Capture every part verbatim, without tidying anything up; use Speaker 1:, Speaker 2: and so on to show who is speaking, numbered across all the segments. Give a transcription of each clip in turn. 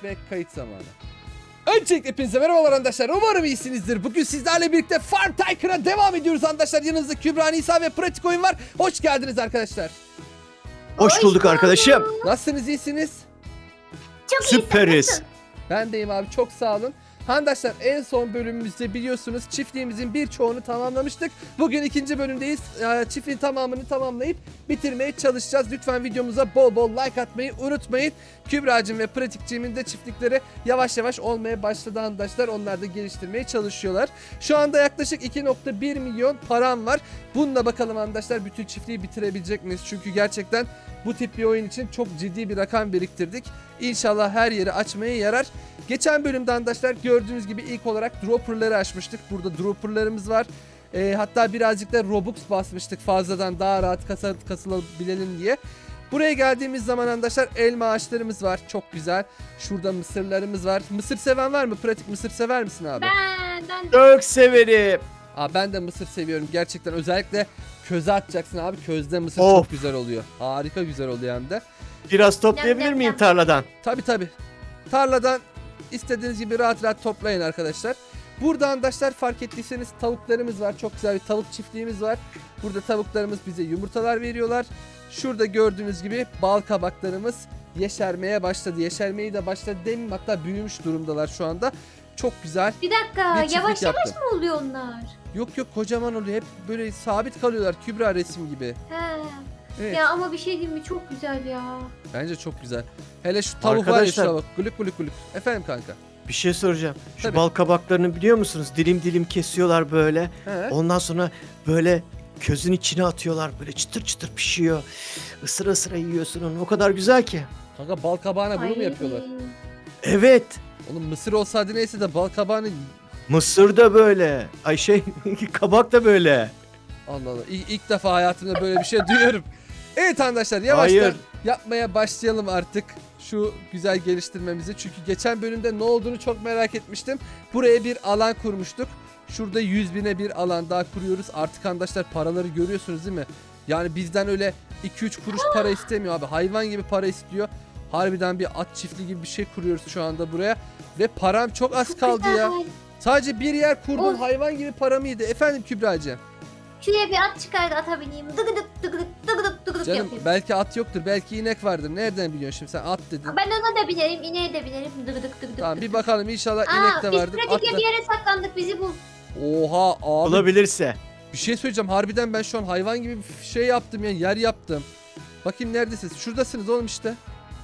Speaker 1: ve kayıt zamanı. Öncelikle hepinize merhabalar arkadaşlar. Umarım iyisinizdir. Bugün sizlerle birlikte Farm Tycoon'a devam ediyoruz arkadaşlar. Yanınızda Kübra, Nisa ve Pratik Oyun var. Hoş geldiniz arkadaşlar.
Speaker 2: Hoş, Hoş bulduk arkadaşım.
Speaker 1: Nasılsınız, iyisiniz?
Speaker 3: Çok
Speaker 2: Süperiz.
Speaker 3: iyisin.
Speaker 1: Ben deyim abi, çok sağ olun. Arkadaşlar en son bölümümüzde biliyorsunuz çiftliğimizin birçoğunu tamamlamıştık. Bugün ikinci bölümdeyiz. Çiftliğin tamamını tamamlayıp bitirmeye çalışacağız. Lütfen videomuza bol bol like atmayı unutmayın. Kübra'cığım ve Pratikçiğimin de çiftlikleri yavaş yavaş olmaya başladı arkadaşlar. Onlar da geliştirmeye çalışıyorlar. Şu anda yaklaşık iki nokta bir milyon param var. Bununla bakalım arkadaşlar bütün çiftliği bitirebilecek miyiz? Çünkü gerçekten bu tip bir oyun için çok ciddi bir rakam biriktirdik. İnşallah her yeri açmaya yarar. Geçen bölümde arkadaşlar gördüğünüz gibi ilk olarak dropperları açmıştık. Burada dropperlarımız var. E, hatta birazcık da Robux basmıştık fazladan, daha rahat kasa, kasılabilelim diye. Buraya geldiğimiz zaman arkadaşlar elma ağaçlarımız var. Çok güzel. Şurada mısırlarımız var. Mısır seven var mı? Pratik, mısır sever misin abi?
Speaker 3: Ben, ben
Speaker 2: Çok severim.
Speaker 1: Aa, ben de mısır seviyorum. Gerçekten özellikle köze atacaksın abi. Közde mısır
Speaker 2: Of.
Speaker 1: çok güzel oluyor. Harika güzel oluyor hem de.
Speaker 2: Biraz toplayabilir
Speaker 3: Yap, yap,
Speaker 2: miyim
Speaker 3: yap.
Speaker 2: tarladan?
Speaker 1: Tabi tabi. Tarladan istediğiniz gibi rahat rahat toplayın arkadaşlar. Burada arkadaşlar fark ettiyseniz tavuklarımız var. Çok güzel bir tavuk çiftliğimiz var. Burada tavuklarımız bize yumurtalar veriyorlar. Şurada gördüğünüz gibi bal kabaklarımız yeşermeye başladı. Yeşermeyi de başladı demeyeyim, hatta büyümüş durumdalar şu anda. Çok güzel.
Speaker 3: bir dakika
Speaker 1: Bir çiftlik
Speaker 3: yavaş yavaş
Speaker 1: yaptım.
Speaker 3: mı oluyor onlar?
Speaker 1: Yok yok, kocaman oluyor. Hep böyle sabit kalıyorlar. Kübra resim gibi.
Speaker 3: He.
Speaker 1: Evet.
Speaker 3: Ya ama bir şey diyeyim mi, çok güzel ya.
Speaker 1: Bence çok güzel. Hele şu tavuk var ya,
Speaker 2: Arkadaşlar-
Speaker 1: şuna bak. Gülük gülük gülük. Efendim kanka.
Speaker 2: Bir şey soracağım. Şu
Speaker 1: Tabii.
Speaker 2: bal kabaklarını biliyor musunuz? Dilim dilim kesiyorlar böyle.
Speaker 1: He?
Speaker 2: Ondan sonra böyle közün içine atıyorlar. Böyle çıtır çıtır pişiyor. Isıra ısıra yiyorsun onu. O kadar güzel ki.
Speaker 1: Kanka bal kabağına bunu mu
Speaker 3: Ay.
Speaker 1: yapıyorlar?
Speaker 2: Evet.
Speaker 1: Oğlum mısır olsaydı neyse de bal kabağını...
Speaker 2: Mısır da böyle. Ay şey kabak da böyle.
Speaker 1: Allah Allah. İlk, ilk defa hayatımda böyle bir şey duyuyorum. Evet arkadaşlar, yavaştan
Speaker 2: Hayır.
Speaker 1: yapmaya başlayalım artık şu güzel geliştirmemizi. Çünkü geçen bölümde ne olduğunu çok merak etmiştim. Buraya bir alan kurmuştuk. Şurada yüz bine bir alan daha kuruyoruz. Artık arkadaşlar paraları görüyorsunuz değil mi? Yani bizden öyle iki üç kuruş para istemiyor abi. Hayvan gibi para istiyor. Harbiden bir at çiftliği gibi bir şey kuruyoruz şu anda buraya. Ve param çok az
Speaker 3: Çok
Speaker 1: kaldı
Speaker 3: güzel.
Speaker 1: ya. Sadece bir yer kurdum,
Speaker 3: Of.
Speaker 1: hayvan gibi param iyiydi. Efendim Kübra'cığım.
Speaker 3: Şuraya bir at çıkar da ata bineyim. Dıgıdık dıgıdık dıgıdık dıgıdık
Speaker 1: Canım
Speaker 3: yapayım.
Speaker 1: belki at yoktur, belki inek vardır. Nereden biliyorsun şimdi, sen at dedin.
Speaker 3: Ben ona da binerim, ineğe de binerim. Dıgıdık dıgıdık.
Speaker 1: Tamam bir
Speaker 3: dıgıdık.
Speaker 1: bakalım, inşallah
Speaker 3: Aa,
Speaker 1: inek de
Speaker 3: biz
Speaker 1: vardır. At
Speaker 3: pratikle
Speaker 1: da.
Speaker 3: bir yere saklandık, bizi bul.
Speaker 1: Oha abi,
Speaker 2: Olabilirse.
Speaker 1: bir şey söyleyeceğim, harbiden ben şu an hayvan gibi bir şey yaptım ya, yer yaptım. Bakayım neredesiniz? Şuradasınız oğlum işte.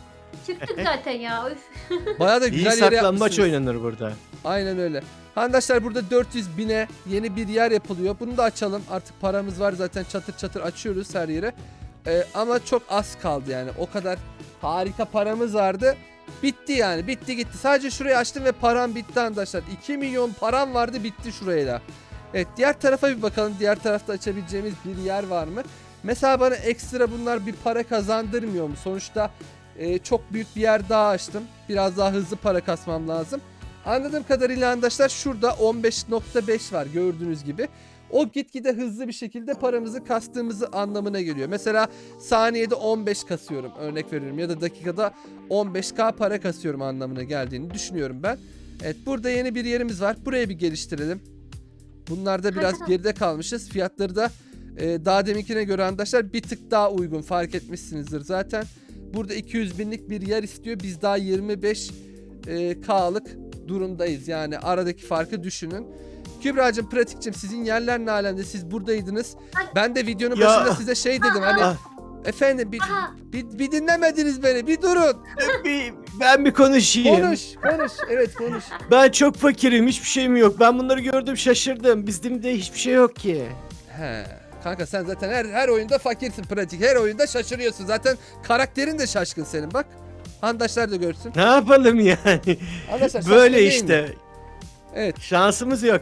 Speaker 3: Çıktık zaten ya. Üf.
Speaker 1: Bayağı da
Speaker 2: İyi
Speaker 1: güzel yere
Speaker 2: saklambaç
Speaker 1: yapmışsınız.
Speaker 2: oynanır burada.
Speaker 1: Aynen öyle. Arkadaşlar burada dört yüz bine yeni bir yer yapılıyor. Bunu da açalım. Artık paramız var zaten, çatır çatır açıyoruz her yere. Ee, ama çok az kaldı yani. O kadar harika paramız vardı. Bitti yani. Bitti gitti. Sadece şurayı açtım ve param bitti arkadaşlar. iki milyon param vardı, bitti şurayla. Evet, diğer tarafa bir bakalım. Diğer tarafta açabileceğimiz bir yer var mı? Mesela bana ekstra bunlar bir para kazandırmıyor mu? Sonuçta e, çok büyük bir yer daha açtım. Biraz daha hızlı para kasmam lazım. Anladığım kadarıyla arkadaşlar şurada on beş nokta beş var gördüğünüz gibi. O gitgide hızlı bir şekilde paramızı kastığımızı anlamına geliyor. Mesela saniyede on beş kasıyorum, örnek veriyorum, ya da dakikada on beş bin para kasıyorum anlamına geldiğini düşünüyorum ben. Evet, burada yeni bir yerimiz var. Burayı bir geliştirelim. Bunlarda biraz
Speaker 3: Tamam.
Speaker 1: geride kalmışız. Fiyatları da e, daha deminkine göre arkadaşlar bir tık daha uygun, fark etmişsinizdir zaten. Burada iki yüz binlik bir yer istiyor. Biz daha yirmi beş K'lık durumdayız. Yani aradaki farkı düşünün. Kübra'cığım, Pratik'cim, sizin yerler ne alemde? Siz buradaydınız. Ben de videonun
Speaker 2: Ya.
Speaker 1: başında size şey dedim hani
Speaker 2: Ah,
Speaker 1: efendim bir,
Speaker 3: Aha.
Speaker 1: bir, bir dinlemediniz beni, bir durun.
Speaker 2: bir, ben bir konuşayım.
Speaker 1: Konuş konuş, evet konuş.
Speaker 2: Ben çok fakirim. Hiçbir şeyim yok. Ben bunları gördüm, şaşırdım. Bizde hiçbir şey yok ki.
Speaker 1: He. Kanka sen zaten her her oyunda fakirsin Pratik. Her oyunda şaşırıyorsun. Zaten karakterin de şaşkın senin, bak. Handaşlar da görsün.
Speaker 2: Ne yapalım yani?
Speaker 1: Arkadaşlar
Speaker 2: Böyle
Speaker 1: şaşkın değil mi?
Speaker 2: işte.
Speaker 1: Evet.
Speaker 2: Şansımız yok.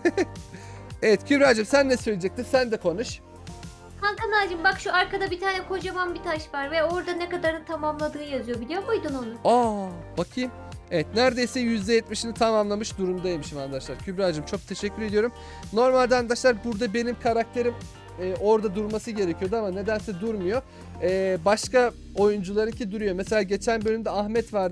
Speaker 1: Evet Kübra'cığım, sen ne söyleyecektin? Sen de konuş.
Speaker 3: Hakan ağacım, bak şu arkada bir tane kocaman bir taş var ve orada ne kadarını tamamladığı yazıyor. Biliyor muydun onu?
Speaker 1: Aa, bakayım. Evet, neredeyse yüzde yetmişini tamamlamış durumdaymışım arkadaşlar. Kübra'cığım çok teşekkür ediyorum. Normalde arkadaşlar burada benim karakterim e, orada durması gerekiyordu ama nedense durmuyor. E, başka oyuncularınki duruyor. Mesela geçen bölümde Ahmet vardı.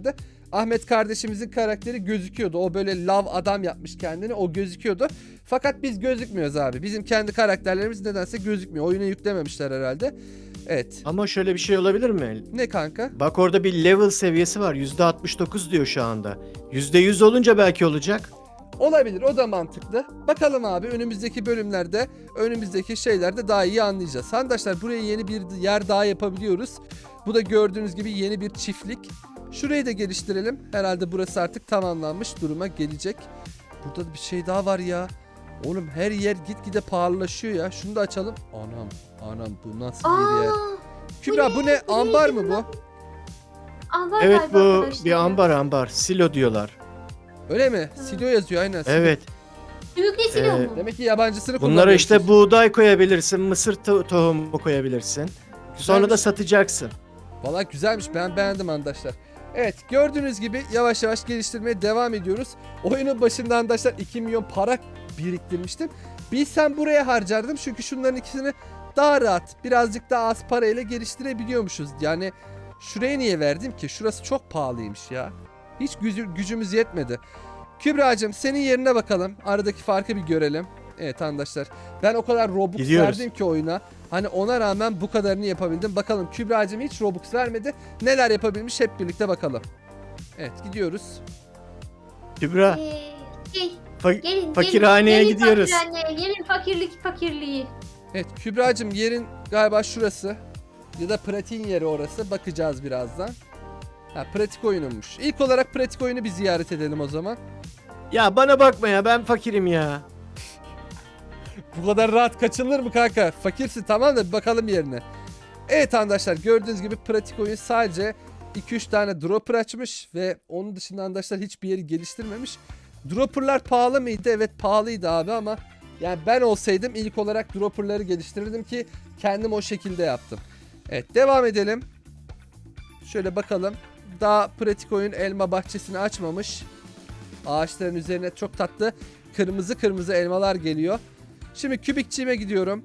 Speaker 1: Ahmet kardeşimizin karakteri gözüküyordu. O böyle lav adam yapmış kendini. O gözüküyordu. Fakat biz gözükmüyoruz abi. Bizim kendi karakterlerimiz nedense gözükmüyor. Oyuna yüklememişler herhalde. Evet.
Speaker 2: Ama şöyle bir şey olabilir mi?
Speaker 1: Ne kanka?
Speaker 2: Bak orada bir level seviyesi var. yüzde altmış dokuz diyor şu anda. yüzde yüz olunca belki olacak.
Speaker 1: Olabilir, o da mantıklı. Bakalım abi, önümüzdeki bölümlerde, önümüzdeki şeylerde daha iyi anlayacağız. Arkadaşlar buraya yeni bir yer daha yapabiliyoruz. Bu da gördüğünüz gibi yeni bir çiftlik. Şurayı da geliştirelim. Herhalde burası artık tamamlanmış duruma gelecek. Burada da bir şey daha var ya. Oğlum her yer gitgide pahalılaşıyor ya. Şunu da açalım. Anam, anam bu nasıl bir yer?
Speaker 3: Aa,
Speaker 1: Kübra bu ne?
Speaker 3: Bu ne?
Speaker 1: Ambar mı bu?
Speaker 3: ambar
Speaker 2: Evet
Speaker 3: galiba
Speaker 2: bu
Speaker 3: arkadaşlar
Speaker 2: bir
Speaker 3: ya.
Speaker 2: ambar ambar. Silo diyorlar.
Speaker 1: Öyle mi? Silo yazıyor aynen. Silo.
Speaker 2: Evet.
Speaker 3: Sümüklü silo
Speaker 2: Ee,
Speaker 3: mu?
Speaker 1: Demek ki yabancısını
Speaker 2: Bunlara
Speaker 1: kullanıyorsunuz.
Speaker 2: işte buğday koyabilirsin, mısır to- tohumu koyabilirsin. Sonra da
Speaker 1: Güzelmiş.
Speaker 2: satacaksın.
Speaker 1: Valla güzelmiş, ben beğendim arkadaşlar. Evet, gördüğünüz gibi yavaş yavaş geliştirmeye devam ediyoruz. Oyunun başında arkadaşlar iki milyon para biriktirmiştim. Bilsem buraya harcardım çünkü şunların ikisini daha rahat, birazcık daha az parayla geliştirebiliyormuşuz. Yani şuraya niye verdim ki? Şurası çok pahalıymış ya. Hiç gücü- gücümüz yetmedi. Kübra'cığım senin yerine bakalım. Aradaki farkı bir görelim. Evet arkadaşlar, ben o kadar Robux
Speaker 2: Gidiyoruz.
Speaker 1: verdim ki oyuna. Hani ona rağmen bu kadarını yapabildim. Bakalım Kübra'cığım hiç Robux vermedi. Neler yapabilmiş hep birlikte bakalım. Evet, gidiyoruz.
Speaker 2: Kübra,
Speaker 3: Ee, şey,
Speaker 2: fa-
Speaker 3: gelin,
Speaker 2: fakirhaneye
Speaker 3: gelin,
Speaker 2: gidiyoruz.
Speaker 3: Gelin fakirhaneye, gelin fakirlik fakirliği.
Speaker 1: Evet Kübra'cığım, yerin galiba şurası. Ya da pratiğin yeri orası. Bakacağız birazdan. Ha, pratik oyunumuş. İlk olarak pratik oyunu bir ziyaret edelim o zaman.
Speaker 2: Ya bana bakma ya, ben fakirim ya.
Speaker 1: Bu kadar rahat kaçılır mı kanka? Fakirsin tamam da bir bakalım yerine. Evet arkadaşlar, gördüğünüz gibi pratik oyun sadece iki üç tane dropper açmış ve onun dışında arkadaşlar hiçbir yeri geliştirmemiş. Dropperlar pahalı mıydı? Evet pahalıydı abi ama yani ben olsaydım ilk olarak dropperları geliştirirdim ki kendim o şekilde yaptım. Evet, devam edelim. Şöyle bakalım. Daha pratik oyun elma bahçesini açmamış. Ağaçların üzerine çok tatlı kırmızı kırmızı elmalar geliyor. Şimdi kübikçiğime gidiyorum.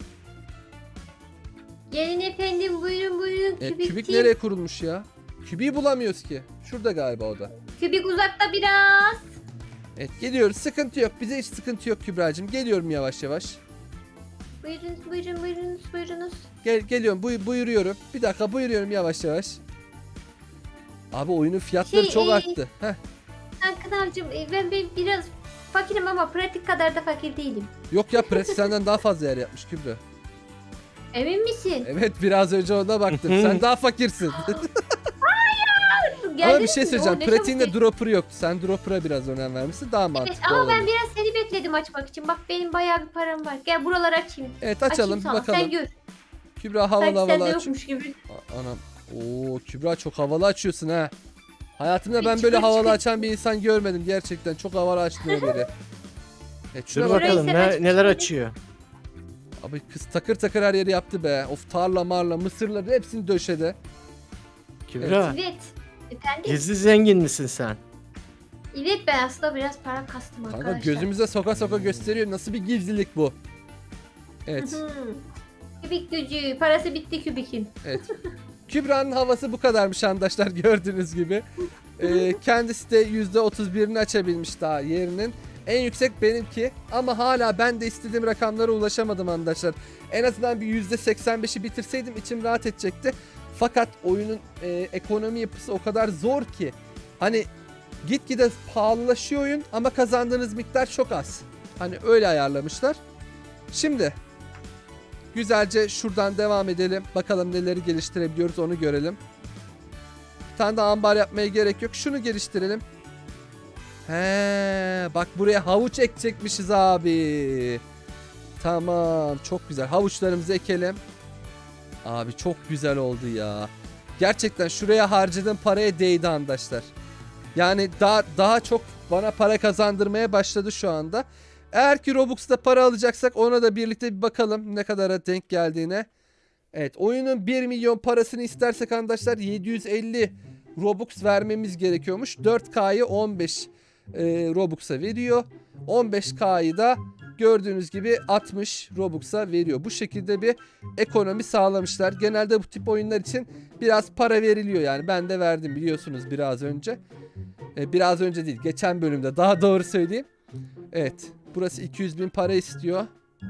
Speaker 3: Gelin efendim, buyurun buyurun.
Speaker 1: E,
Speaker 3: Kübik,
Speaker 1: kübik
Speaker 3: değil.
Speaker 1: nereye kurulmuş ya? Kübiği bulamıyoruz ki. Şurada galiba o da.
Speaker 3: Kübik uzakta biraz.
Speaker 1: Evet, geliyoruz. Sıkıntı yok. Bize hiç sıkıntı yok Kübra'cığım. Geliyorum yavaş yavaş.
Speaker 3: Buyurunuz buyurun buyurunuz buyurunuz.
Speaker 1: Gel geliyorum. Buy buyuruyorum. Bir dakika, buyuruyorum yavaş yavaş. Abi oyunun fiyatları
Speaker 3: Şey,
Speaker 1: çok
Speaker 3: e,
Speaker 1: arttı. Heh.
Speaker 3: Hakan abicim, e, ben, ben biraz fakirim ama pratik kadar da fakir değilim.
Speaker 1: Yok ya, pratik senden daha fazla yer yapmış Kübra.
Speaker 3: Emin misin?
Speaker 1: Evet, biraz önce ona baktım. Sen daha fakirsin. Ama
Speaker 3: Geldin
Speaker 1: bir şey
Speaker 3: mi?
Speaker 1: söyleyeceğim.
Speaker 3: Oo, ne çabuk
Speaker 1: Pratiğinde
Speaker 3: geçti.
Speaker 1: dropper yoktu. Sen dropper'a biraz önem vermişsin. Daha
Speaker 3: Evet
Speaker 1: mantıklı
Speaker 3: ama
Speaker 1: olabilir.
Speaker 3: ben biraz seni bekledim açmak için. Bak benim bayağı bir param var. Gel buraları açayım.
Speaker 1: Evet, açalım
Speaker 3: Açayım
Speaker 1: bir
Speaker 3: sana.
Speaker 1: bakalım.
Speaker 3: Sen gör.
Speaker 1: Kübra havalı
Speaker 3: Sanki
Speaker 1: havalı
Speaker 3: sende
Speaker 1: aç.
Speaker 3: yokmuş gibi.
Speaker 1: A- Anam. Oo, Kübra çok havalı açıyorsun ha. Hayatımda
Speaker 3: Bir
Speaker 1: ben böyle
Speaker 3: çıkır
Speaker 1: havalı
Speaker 3: çıkır.
Speaker 1: açan bir insan görmedim gerçekten. Çok havalı açmıyor biri. Evet,
Speaker 2: Dur
Speaker 1: şuna bak.
Speaker 2: bakalım
Speaker 3: Burayı sen
Speaker 2: ne, neler
Speaker 3: açmış
Speaker 2: açıyor.
Speaker 1: Abi kız takır takır her yeri yaptı be. Of, tarla marla mısırları hepsini döşedi.
Speaker 2: Kübra,
Speaker 3: Evet. Efendim?
Speaker 2: gizli zengin misin sen?
Speaker 3: Evet ben aslında biraz para kastım
Speaker 1: Kanka
Speaker 3: arkadaşlar.
Speaker 1: gözümüze soka soka gösteriyor. Nasıl bir gizlilik bu? Evet.
Speaker 3: Hı hı. Kübik gücü. Parası bitti kübikin.
Speaker 1: Evet. Kübra'nın havası bu kadarmış arkadaşlar, gördüğünüz gibi. Ee, kendisi de yüzde otuz birini açabilmiş daha yerinin. En yüksek benimki ama hala ben de istediğim rakamlara ulaşamadım arkadaşlar. En azından bir yüzde seksen beşi bitirseydim içim rahat edecekti. Fakat oyunun e, ekonomi yapısı o kadar zor ki. Hani gitgide pahalılaşıyor oyun ama kazandığınız miktar çok az. Hani öyle ayarlamışlar. Şimdi güzelce şuradan devam edelim. Bakalım neleri geliştirebiliyoruz, onu görelim. Bir tane daha ambar yapmaya gerek yok. Şunu geliştirelim. He, bak buraya havuç ekecekmişiz abi. Tamam, çok güzel. Havuçlarımızı ekelim. Abi çok güzel oldu ya. Gerçekten şuraya harcadığım paraya değdi arkadaşlar. Yani daha daha çok bana para kazandırmaya başladı şu anda. Eğer ki Robux'ta para alacaksak ona da birlikte bir bakalım ne kadara denk geldiğine. Evet, oyunun bir milyon parasını istersek arkadaşlar yedi yüz elli Robux vermemiz gerekiyormuş. dört K'yı on beş e, Robux'a veriyor. on beş K'yı da gördüğünüz gibi altmış Robux'a veriyor. Bu şekilde bir ekonomi sağlamışlar. Genelde bu tip oyunlar için biraz para veriliyor yani. Ben de verdim biliyorsunuz biraz önce. E, biraz önce değil, geçen bölümde daha doğru söyleyeyim. Evet, burası iki yüz bin para istiyor.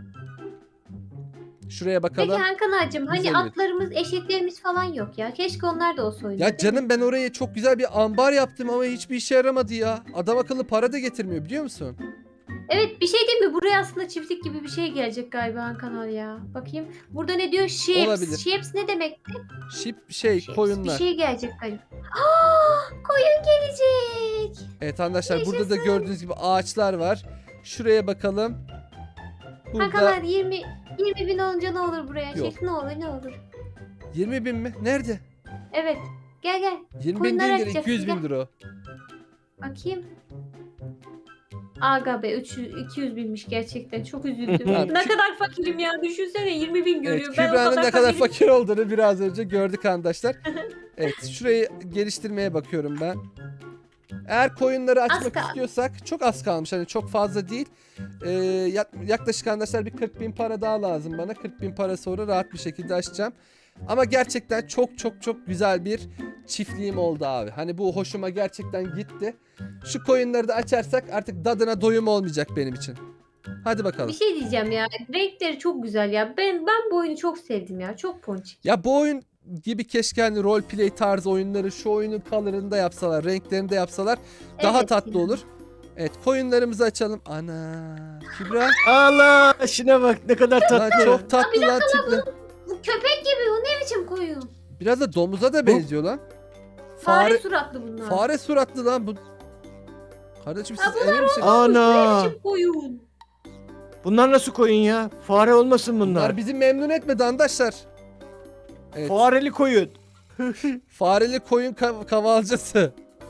Speaker 1: Şuraya bakalım.
Speaker 3: Peki Hakan ağacım hani
Speaker 1: Güzel bir-
Speaker 3: atlarımız, eşeklerimiz falan yok ya. Keşke onlar da olsa oyunda.
Speaker 1: Ya
Speaker 3: değil
Speaker 1: canım
Speaker 3: mi?
Speaker 1: ben oraya çok güzel bir ambar yaptım ama hiçbir işe yaramadı ya. Adam akıllı para da getirmiyor biliyor musun?
Speaker 3: Evet, bir şey değil mi? Buraya aslında çiftlik gibi bir şey gelecek galiba Hakan abi ya. Bakayım. Burada ne diyor? Sheeps.
Speaker 1: Olabilir.
Speaker 3: Sheeps ne demek?
Speaker 1: Şip şey
Speaker 3: Sheeps.
Speaker 1: koyunlar.
Speaker 3: Bir şey gelecek galiba. Aa, koyun gelecek.
Speaker 1: Evet arkadaşlar burada da
Speaker 3: Yaşasın.
Speaker 1: gördüğünüz gibi ağaçlar var. Şuraya bakalım.
Speaker 3: Hakan
Speaker 1: Burada
Speaker 3: abi yirmi yirmi bin olunca ne olur buraya?
Speaker 1: Yok.
Speaker 3: Şey, ne olur ne olur.
Speaker 1: yirmi bin mi? Nerede?
Speaker 3: Evet. Gel gel.
Speaker 1: yirmi bin
Speaker 3: Koyunları
Speaker 1: değildir,
Speaker 3: açacaksın,
Speaker 1: iki yüz
Speaker 3: gel.
Speaker 1: bindir o.
Speaker 3: Bakayım. Aga be üç yüz iki yüz binmiş gerçekten. Çok üzüldüm.
Speaker 1: Abi,
Speaker 3: ne
Speaker 1: Kü-
Speaker 3: kadar fakirim ya. Düşünsene yirmi bin görüyor.
Speaker 1: Evet,
Speaker 3: ben o
Speaker 1: Kübra'nın
Speaker 3: kadar
Speaker 1: ne kadar
Speaker 3: fakirim.
Speaker 1: fakir olduğunu biraz önce gördük arkadaşlar. Evet, şurayı geliştirmeye bakıyorum ben. Eğer koyunları açmak
Speaker 3: kal-
Speaker 1: istiyorsak çok az kalmış. Hani çok fazla değil. Ee, yak- yaklaşık arkadaşlar bir kırk bin para daha lazım bana. kırk bin para sonra rahat bir şekilde açacağım. Ama gerçekten çok çok çok güzel bir çiftliğim oldu abi. Hani bu hoşuma gerçekten gitti. Şu koyunları da açarsak artık dadına doyum olmayacak benim için. Hadi
Speaker 3: Bir
Speaker 1: bakalım.
Speaker 3: şey diyeceğim ya. Renkleri çok güzel ya. Ben ben bu oyunu çok sevdim ya. Çok ponçik.
Speaker 1: Ya bu oyun gibi keşke hani roleplay tarzı oyunları şu oyunun color'ını yapsalar, renklerini de yapsalar daha
Speaker 3: Evet
Speaker 1: tatlı
Speaker 3: ya.
Speaker 1: olur. Evet, koyunlarımızı açalım. Ana, Kübra.
Speaker 2: Allah şuna bak ne kadar
Speaker 1: Lan
Speaker 2: tatlı.
Speaker 1: çok tatlı lan tipli.
Speaker 3: Bu köpek gibi. Bu ne biçim koyun?
Speaker 1: Biraz da domuza da benziyor lan.
Speaker 3: Fare,
Speaker 1: Fare,
Speaker 3: suratlı bunlar.
Speaker 1: fare suratlı lan bu. Kardeşim
Speaker 3: Ha,
Speaker 1: siz emin misiniz?
Speaker 2: Ana.
Speaker 3: Ne biçim koyun?
Speaker 2: Bunlar nasıl koyun ya? Fare olmasın bunlar.
Speaker 1: Bunlar bizi memnun etmedi arkadaşlar. Evet,
Speaker 2: Fareli koyun.
Speaker 1: fareli koyun kav- kavalcısı.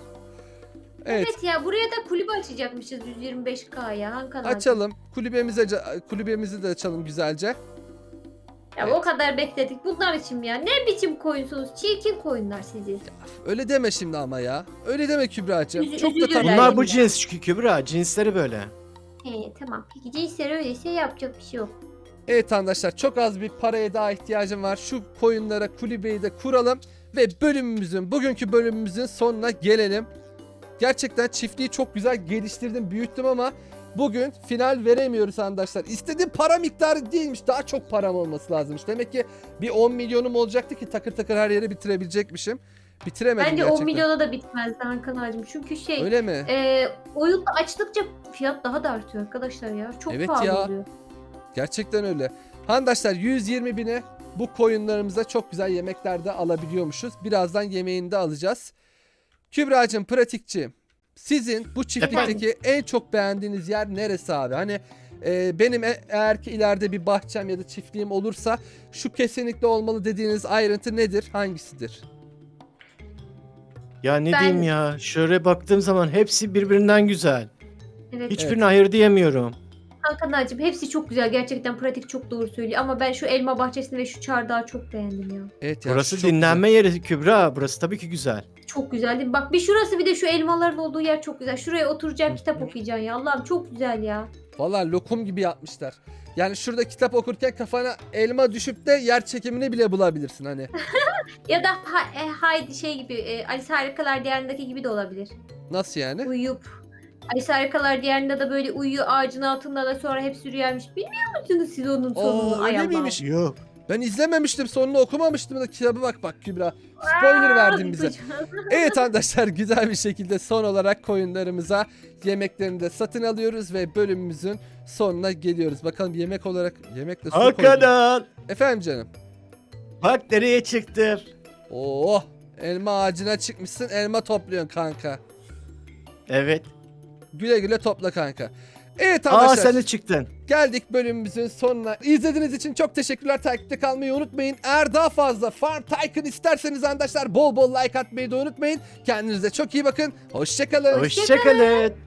Speaker 1: Evet,
Speaker 3: Evet ya buraya da kulübe açacakmışız yüz yirmi beş K'ya. Hakan abi.
Speaker 1: açalım. Kulübemize ca- kulübemizi de açalım güzelce.
Speaker 3: Ya
Speaker 1: Evet.
Speaker 3: o kadar bekledik. Bunlar için mi ya? Ne biçim koyunsunuz? Çirkin koyunlar sizi.
Speaker 1: Öyle deme şimdi ama ya. Öyle deme Kübra'cığım.
Speaker 3: Üzü-
Speaker 1: Çok da
Speaker 3: üzülürler.
Speaker 1: tatlı.
Speaker 2: Bunlar bu
Speaker 3: ya.
Speaker 2: cins çünkü Kübra. Cinsleri böyle.
Speaker 3: He tamam. Peki cinsleri öyleyse yapacak bir şey yok.
Speaker 1: Evet arkadaşlar çok az bir paraya daha ihtiyacım var. Şu koyunlara kulübeyi de kuralım ve bölümümüzün bugünkü bölümümüzün sonuna gelelim. Gerçekten çiftliği çok güzel geliştirdim, büyüttüm ama bugün final veremiyoruz arkadaşlar. İstediğim para miktarı değilmiş. Daha çok param olması lazımmış. Demek ki bir on milyonum olacaktı ki takır takır her yeri bitirebilecekmişim. Bitiremedim
Speaker 3: Bence
Speaker 1: gerçekten.
Speaker 3: on milyona da bitmezdi Hakan ağacım. Çünkü şey
Speaker 1: Öyle mi?
Speaker 3: e, oyunda açtıkça fiyat daha da artıyor arkadaşlar ya. Çok
Speaker 1: Evet
Speaker 3: pahalı
Speaker 1: ya.
Speaker 3: oluyor.
Speaker 1: Gerçekten öyle. Arkadaşlar yüz yirmi bine bu koyunlarımıza çok güzel yemekler de alabiliyormuşuz. Birazdan yemeğini de alacağız. Kübra'cığım, pratikçi. Sizin bu çiftlikteki en çok beğendiğiniz yer neresi abi? Hani e, benim e- eğer ki ileride bir bahçem ya da çiftliğim olursa şu kesinlikle olmalı dediğiniz ayrıntı nedir? Hangisidir?
Speaker 2: Ya ne
Speaker 3: Ben-
Speaker 2: diyeyim ya? Şöyle baktığım zaman hepsi birbirinden güzel.
Speaker 3: Evet.
Speaker 2: Hiçbirine hayır diyemiyorum.
Speaker 3: Hakan ağacım hepsi çok güzel. Gerçekten pratik çok doğru söylüyor. Ama ben şu elma bahçesini ve şu çardağı çok beğendim ya.
Speaker 1: Evet ya,
Speaker 2: Burası
Speaker 1: şu çok
Speaker 2: dinlenme yeri Kübra. Burası tabii ki güzel.
Speaker 3: Çok güzel değil mi? Bak bir şurası bir de şu elmaların olduğu yer çok güzel. Şuraya oturacaksın kitap okuyacaksın ya. Allah'ım çok güzel ya.
Speaker 1: güzel. Vallahi lokum gibi yapmışlar. Yani şurada kitap okurken kafana elma düşüp de yer çekimini bile bulabilirsin hani.
Speaker 3: Ya da ha, e, Haydi şey gibi e, Alice Harikalar Diyarı'ndaki gibi de olabilir.
Speaker 1: Nasıl yani?
Speaker 3: Uyuyup Alice Harikalar Diyarı'nda da böyle uyuyor ağacın altında da sonra hepsi rüyaymış. Bilmiyor musunuz siz onun sonunu?
Speaker 1: Oo,
Speaker 3: Ay
Speaker 1: öyle
Speaker 3: Allah'ım.
Speaker 1: miymiş?
Speaker 2: Yok.
Speaker 1: Ben izlememiştim, sonunu okumamıştım da kitabı bak bak Kübra. Spoiler verdin bize. Evet arkadaşlar, güzel bir şekilde son olarak koyunlarımıza yemeklerini de satın alıyoruz ve bölümümüzün sonuna geliyoruz. Bakalım yemek olarak yemekle su koydum.
Speaker 2: Hakan.
Speaker 1: Efendim canım.
Speaker 2: Bak nereye çıktım.
Speaker 1: Oh, elma ağacına çıkmışsın, elma topluyorsun kanka.
Speaker 2: Evet.
Speaker 1: Güle güle topla kanka. Evet
Speaker 2: Aa
Speaker 1: arkadaşlar,
Speaker 2: sen de çıktın.
Speaker 1: geldik bölümümüzün sonuna. İzlediğiniz için çok teşekkürler. Takipte kalmayı unutmayın. Eğer daha fazla Farm Tycoon isterseniz arkadaşlar bol bol like atmayı da unutmayın. Kendinize çok iyi bakın. Hoşçakalın.
Speaker 2: Hoşçakalın.